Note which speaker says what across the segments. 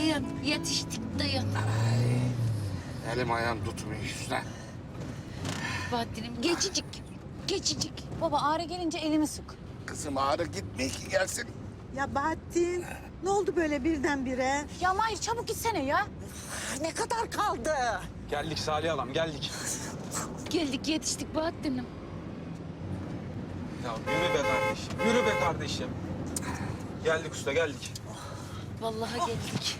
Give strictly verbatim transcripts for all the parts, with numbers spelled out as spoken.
Speaker 1: Dayan, yetiştik dayan.
Speaker 2: Elim ayağım tutmuyor üstüne.
Speaker 1: Bahattin'im geçicik, geçicik.
Speaker 3: Baba ağrı gelince elimi sık.
Speaker 2: Kızım ağrı gitmiyor ki gelsin.
Speaker 4: Ya Bahattin, ne oldu böyle birdenbire?
Speaker 3: Ya Mahir çabuk gitsene ya.
Speaker 4: Ne kadar kaldı?
Speaker 5: Geldik Salih Alam, geldik.
Speaker 1: Geldik yetiştik Bahattin'im.
Speaker 5: Ya yürü be kardeşim, yürü be kardeşim. Geldik usta, geldik.
Speaker 1: Vallahi geldik.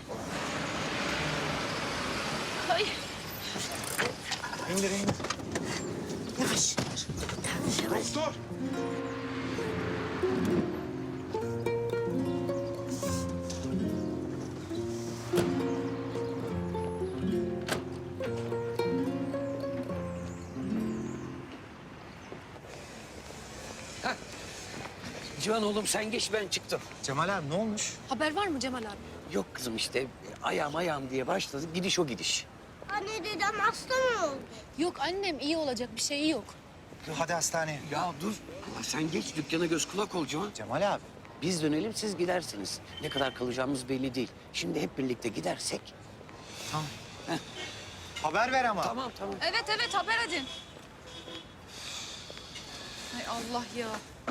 Speaker 1: Ay.
Speaker 5: İndir, indir.
Speaker 4: Yavaş. Yavaş.
Speaker 5: Dur.
Speaker 6: Civan oğlum sen geç ben çıktım.
Speaker 5: Cemal abi ne olmuş?
Speaker 3: Haber var mı Cemal abi?
Speaker 6: Yok kızım işte ayağım ayağım diye başladı. Gidiş o gidiş.
Speaker 7: Anne dedem hasta mı oldu?
Speaker 3: Yok annem iyi olacak bir şeyi yok.
Speaker 5: Hadi hastaneye.
Speaker 6: Ya dur. Allah sen geç dükkana göz kulak ol Civan.
Speaker 5: Cemal abi.
Speaker 6: Biz dönelim siz gidersiniz. Ne kadar kalacağımız belli değil. Şimdi hep birlikte gidersek.
Speaker 5: Haber ver ama.
Speaker 6: Tamam tamam.
Speaker 3: Evet evet haber edin. Hay Allah ya.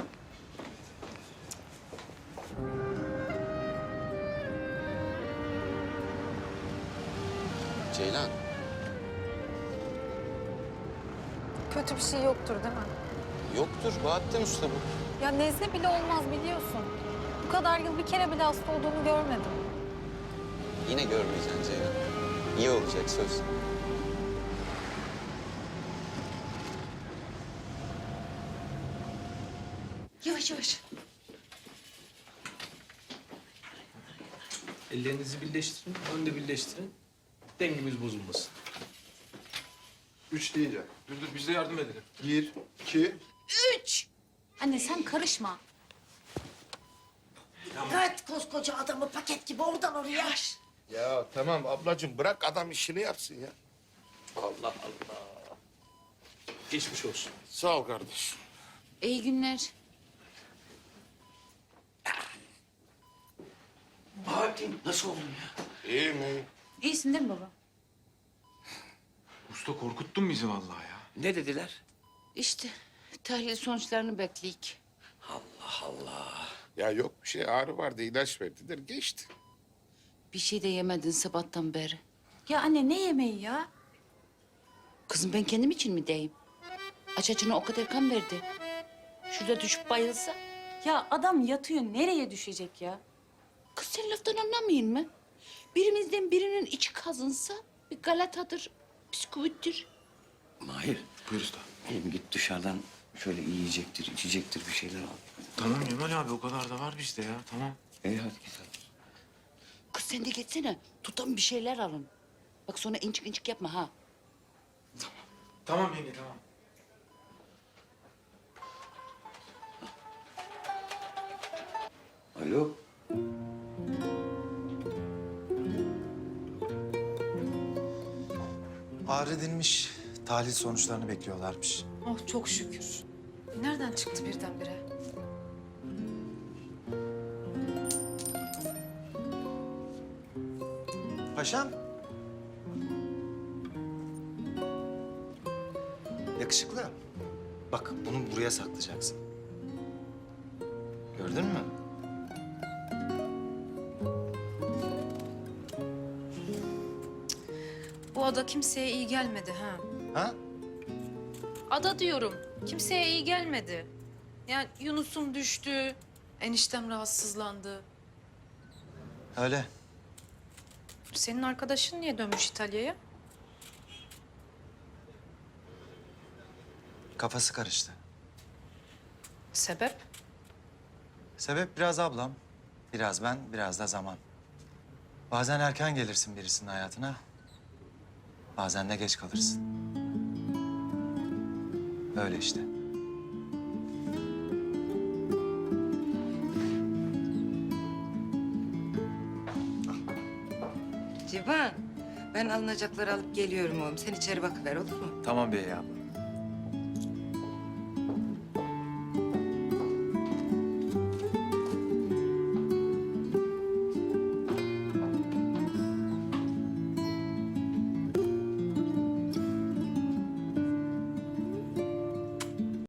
Speaker 2: Ceylan.
Speaker 8: Kötü bir şey yoktur değil mi?
Speaker 2: Yoktur. Bahattin Usta bu.
Speaker 8: Ya nezle bile olmaz biliyorsun. Bu kadar yıl bir kere bile hasta olduğunu görmedim.
Speaker 9: Yine görmeyeceksin Ceylan. İyi olacak söz.
Speaker 1: Yavaş yavaş.
Speaker 10: Ellerinizi birleştirin, önde birleştirin. Dengemiz bozulmasın.
Speaker 2: Üç deyince.
Speaker 5: Dur dur, biz de yardım edelim.
Speaker 2: Bir, iki.
Speaker 1: Üç.
Speaker 3: Anne sen karışma.
Speaker 4: Bırak koskoca adamı paket gibi oradan oraya.
Speaker 2: Ya tamam ablacığım bırak adam işini yapsın ya. Allah Allah.
Speaker 10: Geçmiş olsun.
Speaker 2: Sağ ol kardeşim.
Speaker 1: İyi günler.
Speaker 6: Bahattin nasıl oldun ya?
Speaker 2: İyi mi?
Speaker 3: İyisin değil mi baba?
Speaker 5: Usta korkuttun bizi vallahi ya.
Speaker 6: Ne dediler?
Speaker 1: İşte tahlil sonuçlarını bekleyik.
Speaker 6: Allah Allah.
Speaker 2: Ya yok bir şey ağrı vardı ilaç verdiler geçti.
Speaker 1: Bir şey de yemedin sabahtan beri.
Speaker 3: Ya anne ne yemeği ya?
Speaker 1: Kızım ben kendim için mi deyim? Aç açına o kadar kan verdi. Şurada düşüp bayılsa.
Speaker 3: Ya adam yatıyor nereye düşecek ya?
Speaker 1: Kız sen laftan anlamayın mı? Birimizden birinin içi kazınsa bir galatadır, bisküvittir.
Speaker 6: Mahir.
Speaker 5: Buyur usta.
Speaker 6: Oğlum git dışarıdan şöyle yiyecektir, içecektir bir şeyler al.
Speaker 5: Tamam Cemal abi, o kadar da var bizde ya, tamam.
Speaker 6: İyi hadi git hadi.
Speaker 1: Kız sen de geçsene. Tutan bir şeyler alın. Bak sonra incik incik yapma ha.
Speaker 5: Tamam yenge, tamam.
Speaker 6: Alo.
Speaker 11: Ağrı dinmiş. Tahlil sonuçlarını bekliyorlarmış.
Speaker 8: Oh çok şükür. Nereden çıktı birdenbire?
Speaker 11: Paşam. Yakışıklı. Bak bunu buraya saklayacaksın. Gördün mü?
Speaker 8: Bu ada kimseye iyi gelmedi ha.
Speaker 11: Ha?
Speaker 8: Ada diyorum. Kimseye iyi gelmedi. Yani Yunus'um düştü. Eniştem rahatsızlandı.
Speaker 11: Öyle.
Speaker 8: Senin arkadaşın niye dönmüş İtalya'ya?
Speaker 11: Kafası karıştı.
Speaker 8: Sebep?
Speaker 11: Sebep biraz ablam, biraz ben, biraz da zaman. Bazen erken gelirsin birisinin hayatına. Bazen de geç kalırsın. Öyle işte.
Speaker 12: Civan, ben alınacakları alıp geliyorum oğlum. Sen içeri bakıver olur mu?
Speaker 11: Tamam bey abla.